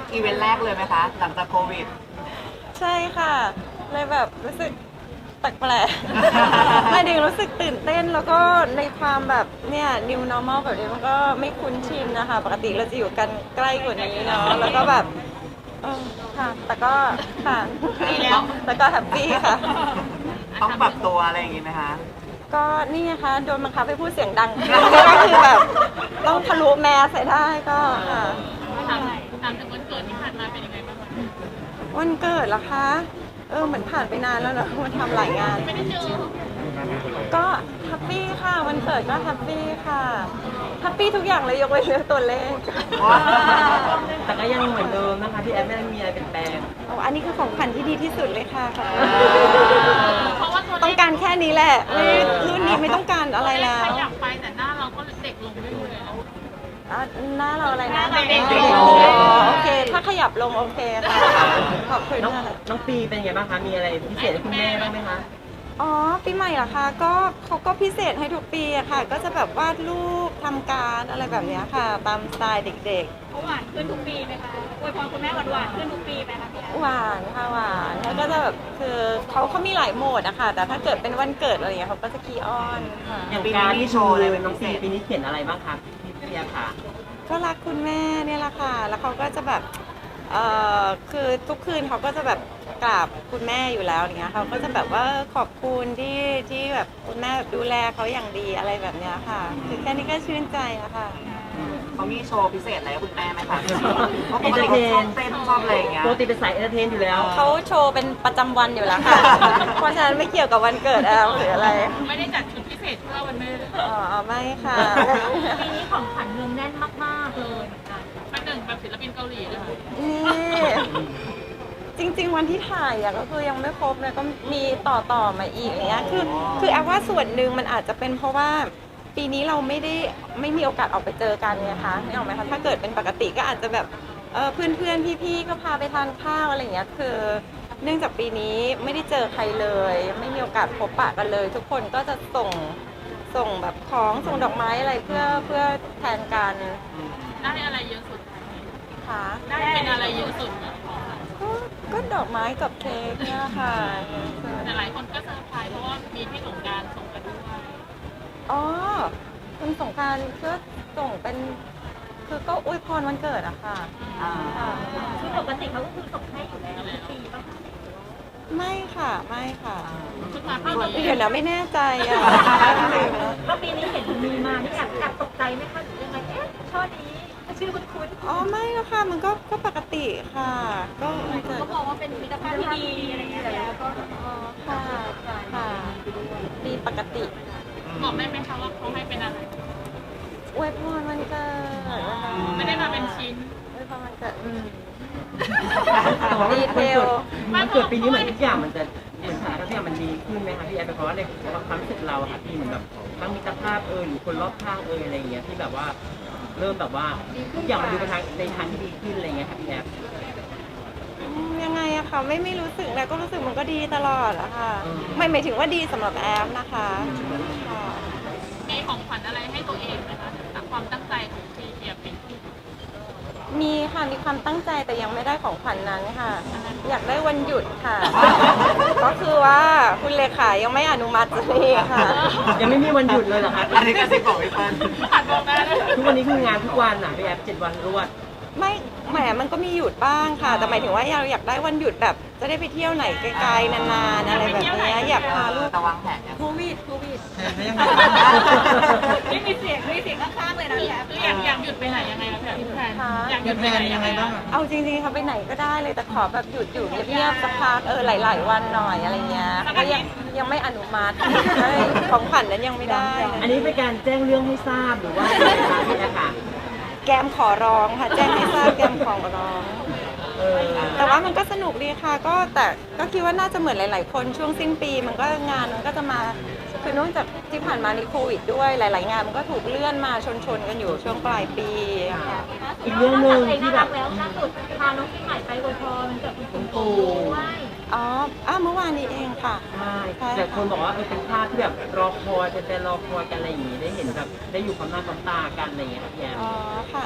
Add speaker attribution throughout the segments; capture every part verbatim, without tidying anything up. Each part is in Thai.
Speaker 1: อีเวนต์แรกเลยไหมคะหลังจากโควิด
Speaker 2: ใช่ค่ะเลยแบบรู้สึกแปลกๆ ไม่ดึงรู้สึกตื่นเต้นแล้วก็ในความแบบเนี่ย new normal แบบนี้มันก็ไม่คุ้นชินนะคะปกติเราจะอยู่กันใกล้กว่านี้เนาะแล้วก็แบบเออค่ะแต่ก็ค่ะดีแล้วแต่ก็แฮปปี้ค่ะ
Speaker 1: ต้องปรับตัวอะไรอย่างงี้ไหมคะ
Speaker 2: ก็นี่ไงคะโดนบังคับให้พูดเสียงดังก็คือแบบต้องทะลุแมสใส่ได้ก็ค่ะ
Speaker 3: ถามถามถึงวันเกิดที่ผ่านมาเป็นยังไงบ้างคะ
Speaker 2: วันเกิดเหรอคะ เออเหมือนผ่านไปนานแล้วเนอะมันทำหลายงาน
Speaker 3: ไม่ได้เจอ
Speaker 2: ก็แฮปปี้ค่ะวันเกิดก็แฮปปี้ค่ะแฮปปี้ทุกอย่างเลยยกเว้นเรื่องตัวเลข
Speaker 4: แต่ก็ยังเหมือนเดิมนะคะพี่แอฟไม่ได้มีอะไรเปลี่ยนแปลง
Speaker 2: โอ้อันนี้คือของขวัญที่ดีที่สุดเลยค่ะขอบคุณ
Speaker 3: เพราะว่าตัวเลข
Speaker 2: ต้องการแค่นี้แหละไม่รุ่นนี้ไม่ต้องการอะไรแล้ว
Speaker 3: ขยับไปแต่หน้าเราก็เด็กลงเรื่อยๆแล้ว
Speaker 2: อ่ะหน้าเราอะไรนะ
Speaker 3: หน้าเราเด็กลง
Speaker 2: อ๋อโอเค ถ้าขยับลงโอเคค่ะขอบคุณ
Speaker 4: น้อง
Speaker 2: ค่ะ
Speaker 4: น้องปีเป็นไงบ้างคะ มีอะไรพิเศษให้คุณแม่บ้างไหมคะ
Speaker 2: อ๋อปีใหม่เหรอคะก็เขาก็พิเศษให้ทุกปีอะค่ะ ก็จะแบบวาดรูปทำการดอะไรแบบเนี้ยค่ะ ตามสไตล์เด็ก
Speaker 3: เขาหวานขึ้นทุกปีไหมคะอวยพรคุณแม่หวานหวานขึ้นทุกปีไหมคะพี่
Speaker 2: ๆหวานค่ะหวานแล้วก็จะแบบคือเขาเขามีหลายโหมดอะค่ะแต่ถ้าเกิดเป็นวันเกิดอะไรอย่างเงี้ยเขาก็จะคีออนค่ะ
Speaker 4: อย่าง
Speaker 1: ปีนี้
Speaker 4: การ
Speaker 1: มี
Speaker 4: ที่
Speaker 1: โช
Speaker 4: โช
Speaker 1: ว์
Speaker 4: ว์
Speaker 1: อะไร
Speaker 4: เลย
Speaker 1: เป็น
Speaker 4: น้อง
Speaker 1: พิ
Speaker 4: ปี
Speaker 1: เศษ
Speaker 4: ปีนี้เขียนอะไรบ้างคะพี่พี่แอฟค่ะ
Speaker 2: ก็รักคุณแม่เนี่ยแหละค่ะ แล้วเขาก็จะแบบเอ่อคือทุกคืนเขาก็จะแบบกราบคุณแม่อยู่แล้วอย่างเงี้ยเขาก็จะแบบว่าขอบคุณที่ที่แบบคุณแม่แบบดูแลเขาอย่างดีอะไรแบบเนี้ยค่ะ คือแค่นี้ก็ชื่นใจอะค่ะ
Speaker 1: เขามีโชว์พิเศษอะไรให้คุณแม่ไหมคะเพราะปกติเขาชอบเต้นชอบอะไรอย่างเงี้ย
Speaker 4: ปกติเป็นสายเอนเตอร์เทนอยู่แล้ว
Speaker 2: เขาโชว์เป็นประจำวันอยู่แล้วค่ะ เพราะฉะนั้นไม่เกี่ยวกับวันเกิดแอลหรืออะไร
Speaker 3: ไม่ได้จัดชุดพิเศษเพื่อวันแม่
Speaker 2: อ๋อไม่ค่ะ
Speaker 3: ปีนี้ของขวัญเมืองแน่นมากๆเลยเป็นหนึ่งแบบศิลปินเกาหลีเลยค่ะ
Speaker 2: นี่จริง ๆ วันที่ถ่ายอะก็คือยังไม่ครบเลยก็มีต่อต่อมาอีกอย่างเงี้ยคือคือแอลว่าส่วนหนึ่งมันอาจจะเป็นเพราะว่าปีนี้เราไม่ได้ไม่มีโอกาสออกไปเจอกันไงคะนี่ออกไหมคะถ้าเกิดเป็นปกติก็อาจจะแบบเออเพื่อนเพื่อนๆพี่ๆก็พาไปทานข้าวอะไรอย่างเงี้ยคือเนื่องจากปีนี้ไม่ได้เจอใครเลย ไม่มีโอกาสพบปะกันเลย ทุกคนก็จะส่งส่งแบบของส่งดอกไม้อะไรเพื่อเพื่อแทนกัน
Speaker 3: ได้อะไรเยอะสุด
Speaker 2: ค่ะ
Speaker 3: ได้เป็นอะไรเยอะสุด
Speaker 2: ก็ก็ดอกไม้กับเค้กเนี่ยค่ะ
Speaker 3: แต่หลายคนก็เซอร์ไพรส์เพราะว่ามีพี่สงกรารส่งกันด้วย
Speaker 2: อ๋อคุณสงกรารก็ส่งเป็น คือก็อวยพรวันเกิดอะค่ะ
Speaker 1: อ่า
Speaker 2: ค่ะ
Speaker 3: คือปกติเขาก็คือส่งให้อยู่แล้วทุกปีป่ะ
Speaker 2: ไม่ค่ะ ไม่ค่ะ
Speaker 3: ชุดมาปีนี้
Speaker 2: เดี๋ยวนะไม่แน่ใจอะ
Speaker 3: ก็ปีนี้เห็นมีมานี่แอบแอบตกใจไหมคะหรือยังไงเอ๊ะช่อนี้ชื่อคุณคุณ
Speaker 2: อ๋อไม่แล้วค่ะ มันก็ก็ปกติค่ะ ก็วันเกิด
Speaker 3: ก็มองว่าเป็นมิตรภาพที่ดีอะไรเงี้ยแล้วก็
Speaker 2: อ๋อค่ะค่ะดีปกติ
Speaker 3: บอกได้ไหมคะว่าเขาให้เป็นอะไร
Speaker 2: อวยพรวันเกิดนะคะ
Speaker 3: ไม่ได้มาเป็นชิ้น
Speaker 2: อวยพรวันเกิดอืม
Speaker 4: แต่ว่า
Speaker 2: ดี
Speaker 4: มัน
Speaker 2: เท
Speaker 4: เกิ
Speaker 2: ล
Speaker 4: ดมันเกิดปีนี้เหมือนทุกอย่างมันจะเหมือนสถานการณ์ทุกอย่างมันดีขึ้นไหมคะพี่แอฟเพราะว่าในความรู้สึกเราอะค่ะพี่เหมือนแบบทั้งมิตรภาพเอยหรือคนรอบข้างเอยอะไรอย่างเงี้ยที่แบบว่าเริ่มแบบว่าทุกอย่างมันดูไปทางในทางที่ดีขึ้นอะไรเงี้ยค่ะพี่แอฟ
Speaker 2: อืมยังไงอะคะไม่ไม่รู้สึกนะก็รู้สึกมันก็ดีตลอดอะค่ะ
Speaker 4: อืม
Speaker 2: ไม่หมายถึงว่าดีสำหรับแอมนะคะค่ะ
Speaker 3: มีของขวัญอะไรให้ตัวเองไหมคะจากความตั้งใจของพีเทียเป็น
Speaker 2: มีค่ะมีความตั้งใจแต่ยังไม่ได้ของขวัญนั้นค่ะ อยากได้วันหยุดค่ะ ก็คือว่าคุณเลขายังไม่อนุมัติเลยค่ะ
Speaker 4: ยังไม่มีวันหยุดเลยเหรอคะ
Speaker 1: อันนี้กระซิบบอกพี่เปิ้ล
Speaker 3: ผ่านบอกได้เลย
Speaker 4: ทุกวันนี้คืองานทุกวันอ่ะพี่แอฟเจ็ดวันรวด
Speaker 2: ไม่แหมมันก็มีหยุดบ้างค่ะ แต่หมายถึงว่าเราอยากได้วันหยุดแบบจะได้ไปเที่ยวไหนไกลๆนานๆอะไรแบบเนี้ยอยากพาลูก
Speaker 1: แต่วางแผนยัง
Speaker 2: โควิดโควิด
Speaker 3: ไม่มีเสียงไม่มีเสียงข้างๆเลยนะพี่แอฟคืออยากอยากหยุดไปไหนยังไงคะพี่แพนอยากหยุดไปไหนยังไงบ้าง
Speaker 2: เอาจริงๆเขาไปไหนก็ได้เลยแต่ขอแบบหยุดอยู่เงียบๆสักพักเออหลาย ๆ วันหน่อยอะไรเงี้ยก็ยังยังไม่อนุมัติใช่ของขวัญนั้นยังไม่ได้
Speaker 4: อันนี้เป็นการแจ้งเรื่องให้ทราบหรือว่าอะไรคะพี่แอฟค่ะ
Speaker 2: แกมขอร้องค่ะแจ้งให้ทราบแกมขอร้อง
Speaker 4: เออ
Speaker 2: แต่ว่ามันก็สนุกดีค่ะก็แต่ก็คิดว่าน่าจะเหมือนหลาย ๆ คนช่วงสิ้นปีมันก็งานมันก็จะมาคือเนื่องจากที่ผ่านมานี่โควิดด้วยหลาย ๆ งานมันก็ถูกเลื่อนมาชน ๆ กันอยู่ช่วงปลายปีค่ะ
Speaker 4: อีกเรื่องหนึ่งที่แบบ
Speaker 3: แล้วล่าสุดพาน้องปีใหม่ไปอวยพรมันเกิดคุณปู่
Speaker 2: อ๋ออ้าวเมื่อวานนี้เองค่ะ
Speaker 4: ใช่
Speaker 2: ใช่ค่ะ
Speaker 4: แต่คนบอกว่าเออเป็นภาพที่แบบรอคอยเป็นแต่รอคอยกันอะไรอย่างงี้ได้เห็นแบบได้อยู่ความหน้าความตากันอะไรอย่างเงี้ยครับพี่แอฟ
Speaker 2: อ๋อค่ะ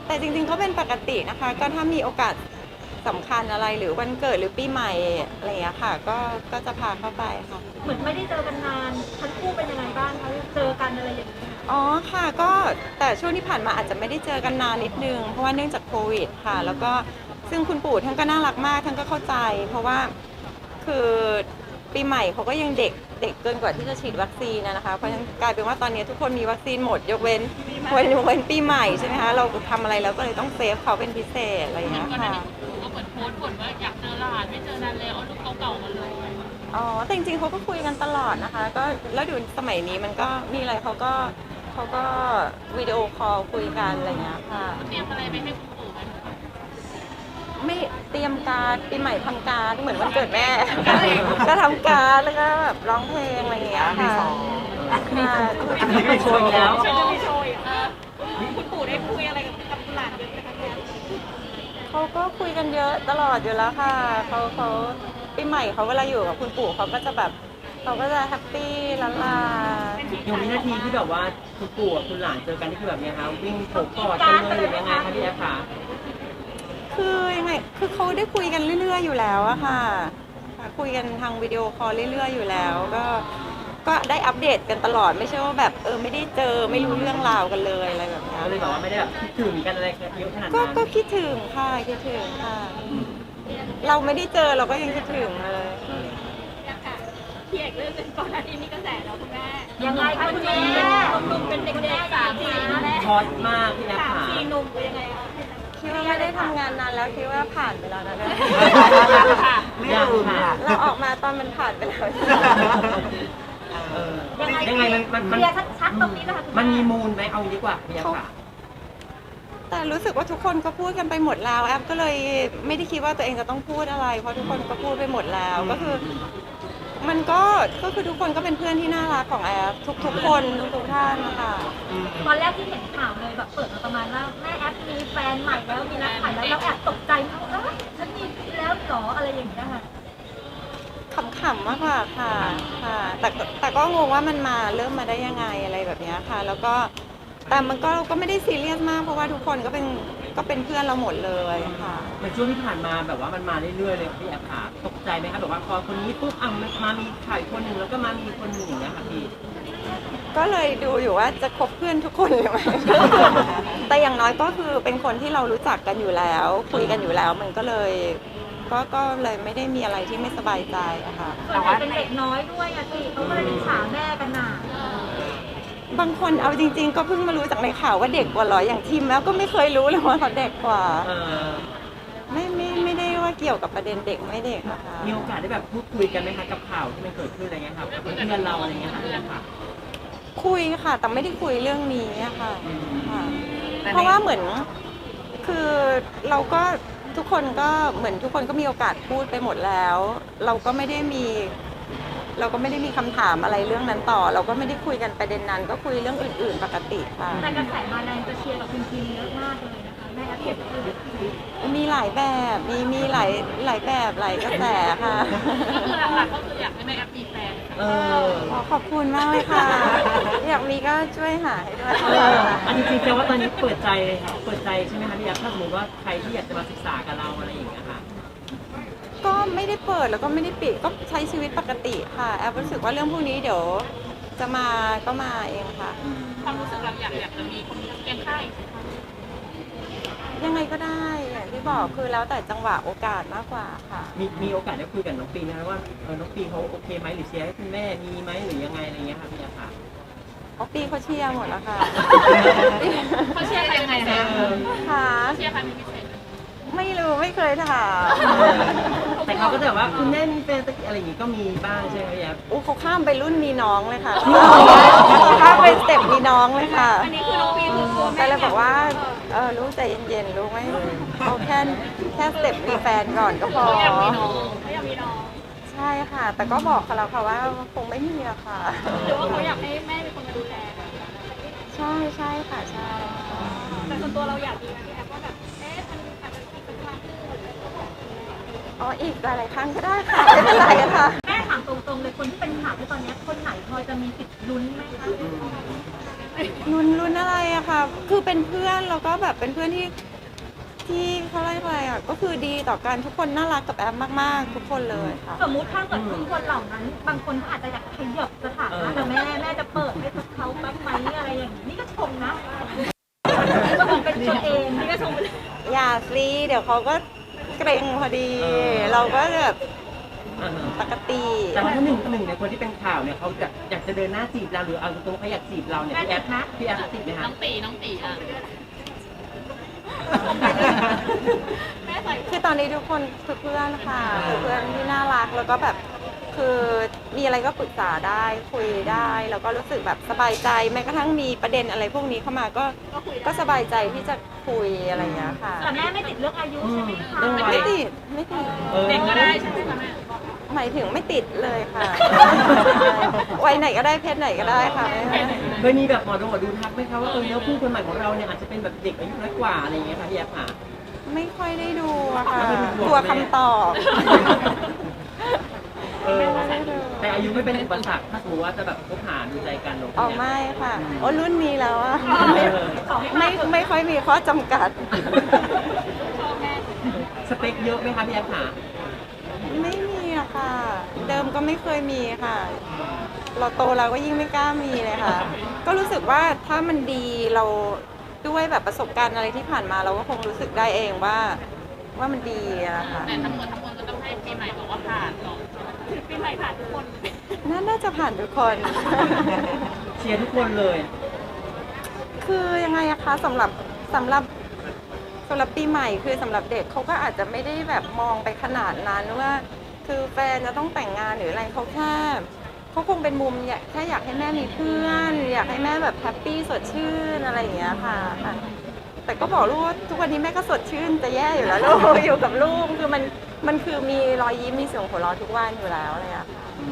Speaker 2: แต่จริงๆก็เป็นปกตินะคะ ก็ถ้ามีโอกาสสำคัญอะไรหรือวันเกิดหรือปีใหม่อะไรอย่างเงี้ยค่ะ ก็ก็จะพาเข้าไปค่ะ
Speaker 3: เหมือนไม่ได้เจอกันนานทั้งคู่เป็นยังไงบ้างคะเจอกันอะไรอย่างเงี้ย
Speaker 2: อ๋อค่ะก็แต่ช่วงที่ผ่านมาอาจจะไม่ได้เจอกันนานนิดนึงเพราะว่าเนื่องจากโควิดค่ะ แล้วก็ซึ่งคุณปู่ท่านก็น่ารักมากท่านก็เข้าใจ เพราะว่าคือปีใหม่เขาก็ยังเด็กเด็กเกินกว่าที่จะฉีดวัคซีนนะนะคะเพราะฉะนั้นกลายเป็นว่าตอนนี้ทุกคนมีวัคซีนหมดยกเว้นยกเว้นยกเว้นปีใหม่ใช่ไหมคะเราทำอะไรแล้วก็เลยต้องเซฟเขาเป็นพิเศษอะไรอย่างเงี้ยค่ะ
Speaker 5: ก็เหมือนโพสต์บ่นว่าอยากเจอหลานไม่เจอนานแล้วเอารูปเก่าๆมาเลย
Speaker 2: อ๋อแต่จริงๆเขาก็คุยกันตลอดนะคะ ก็แล้วดูสมัยนี้มันก็มีอะไรเขาก็เขาก็วิดีโอคอลคุยกันอะไรอย่างเงี้ยค่ะ
Speaker 5: เตรียมอะไรไปให้คุณปู่ไหม
Speaker 2: ไม่เตรียมการดปีใหม่ทำการดเหมือนวันเกิดแม่ ก็ทำการดแล้วก็แบบร้องเพลงอะไรอย่างเงี้ยค่ะค่ะ
Speaker 4: อันนี้ไม่โชว์อีกแล้ว
Speaker 5: โชว์โชว์อีกเออคุณปู่ได้คุยอะไรกับกับหลานเยอะไหมคะเนี่ย
Speaker 2: เขาก็คุยกันเยอะตลอดอยู่แล้วค่ะเขาเขาปีใหม่เขาเวลาอยู่กับคุณปู่เขาก็จะแบบเขาก็จะแฮปปี้ละลา
Speaker 4: อย่างวินาทีที่แบบว่าคุณปู่กับคุณหลานเจอกันนี่คือแบบเนี้ยคะวิ่งโผล่กอดกันเลยหรือยังไงคะพี่แอฟคะ
Speaker 2: คือยังไงคือเขาได้คุยกันเรื่อยๆอยู่แล้วอะค่ะค่ะคุยกันทางวิดีโอคอลเรื่อยๆอยู่แล้ว ก็ก็ได้อัปเดตกันตลอดไม่ใช่ว่าแบบเออไม่ได้เจอไม่รู้เรื่องราวกันเลยอะไรแบบเนี้ย
Speaker 4: ก็เลยแบบว่าไม่ได้แบบคิดถึงกันอะไรเยอะขนาด
Speaker 2: ก็
Speaker 4: นั้น
Speaker 2: ก็คิดถึงค่ะคิดถึงค่ะ เราไม่ได้เจอเราก็ยังคิดถึงเลย
Speaker 5: พี่เอกเรื่องเป็นก่อนหน้านี้มีกระแสแล้วคุณแม่
Speaker 3: ยังไงคะคุณแม่
Speaker 5: หนุ่มๆเป็นเด็กๆสามสี่แม่
Speaker 4: ช็อตมากพี่แอฟ
Speaker 5: สาม
Speaker 4: ค่ะ
Speaker 5: สี่หนุ่มเป็นยังไงคะ
Speaker 2: คิดว่าไม่ได้ทำงานนานแล้วคิดว่าผ่านไปแล้วนะเนี่ย
Speaker 5: ค่ะ
Speaker 4: ยังค่ะ
Speaker 2: เราออกมาตอนมันผ่านไปแล้ว
Speaker 4: เออ
Speaker 3: ยังไง
Speaker 4: ยังไงมันมัน
Speaker 3: เค
Speaker 4: มัน
Speaker 3: ลียร์ชัดๆตรงนี้นะคะคุณ
Speaker 4: มัน
Speaker 3: แ
Speaker 4: มีมูลไหมเอางี้ดีกว่าพี่แอฟค่ะ
Speaker 2: แต่รู้สึกว่าทุกคนก็พูดกันไปหมดแล้วแอปก็เลยไม่ได้คิดว่าตัวเองจะต้องพูดอะไร เพราะทุกคนก็พูดไปหมดแล้วก็คือ มันก็ก็คือทุกคนก็เป็นเพื่อนที่น่ารักของแอปทุกทุกๆคนทุกๆท่านนะคะ
Speaker 3: ตอนแรกที่เห็นข่าวเลยแบบเปิดมาประมาณว่าแม่แอปมีแฟนใหม่แล้วมีนักข่ายแล้วเราแอบตกใจมากว่าเอ้ยฉันมีแล้วเหรออะไรอย่างเงี้ยค่ะ
Speaker 2: ขำๆมากกว่าค่ะค่ะแต่ก็แต่ก็งงว่ามันมาเริ่มมาได้ยังไงอะไรแบบเนี้ยค่ะ แล้วก็แต่มันก็ก็ไม่ได้ซีเรียสมากเพราะว่าทุกคนก็เป็นก็เป็นเพื่อนเราหมดเลยค่ะ
Speaker 4: ในช่วงที่ผ่านมาแบบว่ามันมาเรื่อยๆเลยพี่แอฟค่ะตกใจไหมคะแบบว่าพอคนนี้ปุ๊บอ่ะมันมามีข่าวอีกคนหนึ่งแล้วก็มามีคนหนึ่งอย่างเงี้ยค่ะพี่
Speaker 2: ก็เลยดูอยู่ว่าจะคบเพื่อนทุกคนหรือไม่ แต่อย่างน้อยก็คือเป็นคนที่เรารู้จักกันอยู่แล้ว คุยกันอยู่แล้วมันก็เลย ก็ก็เลยไม่ได้มีอะไรที่ไม่สบายใจอะค่ะ
Speaker 3: ส่วนใหญ่เป็นเด็กน้อยด้วยอะสิเขาก็เลยอิจฉาแม่กันหนา
Speaker 2: บางคนเอาจริง ๆ ก็เพิ่งมารู้จากในข่าวว่าเด็กกว่าเหรออย่างทีมแล้วก็ไม่เคยรู้เลยว่าเขาเด็กกว่า
Speaker 4: เออ
Speaker 2: ไม่ไม่ไม่ได้ว่าเกี่ยวกับประเด็นเด็กไม่เด็กนะคะ
Speaker 4: มีโอกาสได้แบบพูดคุยกันไหมคะกับข่าวที่มันเกิดขึ้นอะไรเงี้ยค่ะกับเพื่อนเราอะไรเงี้ยค่ะพี่แอฟค่ะ
Speaker 2: คุยค่ะ แต่ไม่ได้คุยเรื่องนี้อะค่ะค่ะ เพราะว่าเหมือนคือเราก็ทุกคนก็เหมือนทุกคนก็มีโอกาสพูดไปหมดแล้ว เราก็ไม่ได้มี เราก็ไม่ได้มีคำถามอะไรเรื่องนั้นต่อ เราก็ไม่ได้คุยกันประเด็นนั้น ก็คุยเรื่องอื่น ๆ ปกติค่ะ
Speaker 3: แต่กระแสมาแรงจะเชียร์กับคุณคิมเยอะมากเลยนะคะแม่แอปเห็นคือ
Speaker 2: มีหลายแบบมีมีหลายหลายแบบหลายกระแสค่ะ
Speaker 5: คือหลักๆก็คืออยากให้แม่แอปมีแฟน
Speaker 4: เออ
Speaker 2: ขอขอบคุณมากเลยค่ะ อยากมีก็ช่วยหาให้ด้วย
Speaker 4: เอออันนี้จริงๆแปลว่าตอนนี้เปิดใจเลยค่ะเปิดใจใช่ไหมคะพี่แอฟถ้าสมมติว่าใครที่อยากจะมาศึกษากับเราอะไรอย่างเงี้ยค่ะ
Speaker 2: ก็ไม่ได้เปิดแล้วก็ไม่ได้ปิดก็ใช้ชีวิตปกติค่ะแอบรู้สึกว่าเรื่องพวกนี้เดี๋ยวจะมาก็มาเองค่ะ
Speaker 5: ความรู้สึกเราอยากอยากจะมีคนเคียงข้างอีกไหมคะ
Speaker 2: ยังไงก็ได้อย่างที่บอกคือแล้วแต่จังหวะโอกาสมากกว่าค่ะ
Speaker 4: มีมีโอกาสได้คุยกับน้องปีนะคะว่าเออน้องปีเขาโอเคไหมหรือเชียร์ให้คุณแม่มีไหมหรือยังไงอะไรเงี้ยค่ะพี่แอฟค่ะ
Speaker 2: อ๋อปีเขาเชียร์หมดแล้วค่ะ
Speaker 5: เขาเชียร์ใครยังไงคะ
Speaker 2: ค่ะ
Speaker 5: เชียร์ใครเป็นพิเศษไหม
Speaker 2: ไม่รู้ไม่เคยถาม
Speaker 4: แต่เขาก็จะแบบว่าคุณแม่มีแฟนสักอะไรอย่างงี้ก็มีบ้างใช่ไหมพี่แอฟ
Speaker 2: อู้เขาข้ามไปรุ่นมีน้องเลยค่ะเขาข้ามไปสเต็ปมีน้องเลยค่ะ
Speaker 5: อันนี้คือน้องปีคือตัว
Speaker 2: แต่
Speaker 5: แม่
Speaker 2: เลยบอกว่าเออลูกใจเย็นๆลูกไม่เอาแค่แค่สเต็ปมีแฟนก่อนก็พอ
Speaker 5: เขาอยากมีน้องเขาอยากมีน้อง
Speaker 2: ใช่ค่ะ แต่ก็บอกเขาแล้วค่ะว่าคงไม่มีอะค่ะ
Speaker 5: หรือว่าเขาอยากให้แม่เป็นคนมาดูแล
Speaker 2: ใช่ใช่ค่ะใช่
Speaker 5: แต่ส่วนตัวเราอยากมีไหมแอปว่าแบบเอ๊ะมันอาจจะอีกสักครั้งหนึ่ง
Speaker 2: อ๋ออีกหลายๆครั้งก็ได้ค่ะไม่เป็นไรค่ะ
Speaker 3: แม่ถามตรงๆเลยคนที่เป็นข่าวที่ตอนนี้คนไหนพอจะมีสิทธิ์ลุ้นไหมคะ
Speaker 2: ลุ้นลุ้นอะไรอะค่ะ คือเป็นเพื่อนแล้วก็แบบเป็นเพื่อนที่ที่เขาเรียกอะไรอะก็คือดีต่อกันทุกคนน่ารักกับแอมมากๆ ทุกคนเลยค่ะ
Speaker 3: สมมุติถ้าเกิดทุกคนเหล่านั้น บางคนเขาอาจจะอยากขยับสถานะแต่แม่แม่จะเปิดให้เขาบ้างไหมอะไรอย่างนี้นี่ก็ชมนะก็บอกเป็นตัวเองนี่ก็ชม
Speaker 2: อย่าสิเดี๋ยวเขาก็เกรงพอดี เราก็แบบ
Speaker 4: อ่าฮะ
Speaker 2: ปกติ
Speaker 4: แต่ว่าถ้าหนึ่งหนึ่งในคนที่เป็นข่าวเนี่ยเขาจะอยากจะเดินหน้าจีบเราหรือเอาตรงๆเขาอยากจีบเราเนี่ยพี่แอฟนะพี่แอฟติดไหมคะ
Speaker 5: น้องตีน้องตีอ่ะ
Speaker 2: คือตอนนี้ทุกคนคือเพื่อนค่ะคือเพื่อนที่น่ารักแล้วก็แบบคือมีอะไรก็ปรึกษาได้คุยได้แล้วก็รู้สึกแบบสบายใจแม้กระทั่งมีประเด็นอะไรพวกนี้เข้ามาก็ก็สบายใจที่จะคุยอะไรอย่างเงี้ยค่ะ
Speaker 3: แต่แม่ไม่ติดเรื่องอายุใช่ไหมคะ
Speaker 4: เรื่องวัย
Speaker 2: ไม่ติดไม่ติด
Speaker 4: ออ
Speaker 5: เด็กก็ได้ใช่ไหมคะแม่
Speaker 2: หมายถึงไม่ติดเลยค่ะวัยไหนก็ได้เพศไหนก็ได้ค่ะ
Speaker 4: เคยมีแบบหมอดูหมอดูทักไหมคะว่าเออแล้วคู่คนใหม่ของเราเนี่ยอาจจะเป็นแบบเด็กอายุน้อยกว่าอะไรอย่างเงี้ยค่ะพี่แอฟค่ะ
Speaker 2: ไม่ค่อยได้ดูอะค่ะ
Speaker 4: ไม่ได้ดู
Speaker 2: กลัวคำตอบ
Speaker 4: เออ
Speaker 2: ไม่ได้ดู
Speaker 4: แต่อายุไม่เป็นอุปสรรคถ้าสมมติว่าจะแบบคบหาดูใจกันเนอะ
Speaker 2: อ๋อไม่ค่ะโอ้รุ่นนี้แล้วอะ
Speaker 4: เออ
Speaker 2: ไม่ไม่ค่อยมีข้อจำกัด
Speaker 4: สเปคเยอะไหมคะพี่แอฟค่ะ
Speaker 2: ไม่มีอะค่ะ เดิมก็ไม่เคยมีค่ะ เราโตแล้วก็ยิ่งไม่กล้ามีเลยค่ะ ก็รู้สึกว่าถ้ามันดีเราด้วยแบบประสบการณ์อะไรที่ผ่านมาเราก็คงรู้สึกได้เองว่า ว่ามันดีอะค่ะ
Speaker 5: แต่ทั้งหมดทั้งมวลก็ต้องให้ปีใหม่บอกว่าผ่านหรอกปีใหม่ผ่านทุกคน
Speaker 2: น่าน่าจะผ่านทุกคน
Speaker 4: เชียร์ทุกคนเลย
Speaker 2: คือยังไงอะคะสำหรับสำหรับสำหรับปีใหม่คือสำหรับเด็กเขาก็อาจจะไม่ได้แบบมองไปขนาดนั้นว่า คือแฟนจะต้องแต่งงานหรืออะไรเขาแค่เขาคงเป็นมุมอยากแค่อยากให้แม่มีเพื่อน อยากให้แม่แบบแฮปปี้สดชื่นอะไรอย่างเงี้ยค่ะค่ะ แต่ก็บอกลูกว่าทุกวันนี้แม่ก็สดชื่นจะแย่อยู่แล้วลูก อยู่กับลูกคือมันมันคือมีรอยยิ้มมีเสียงหัวเราะทุกวันอยู่แล้วอะไรอย่างเลยอะค่ะ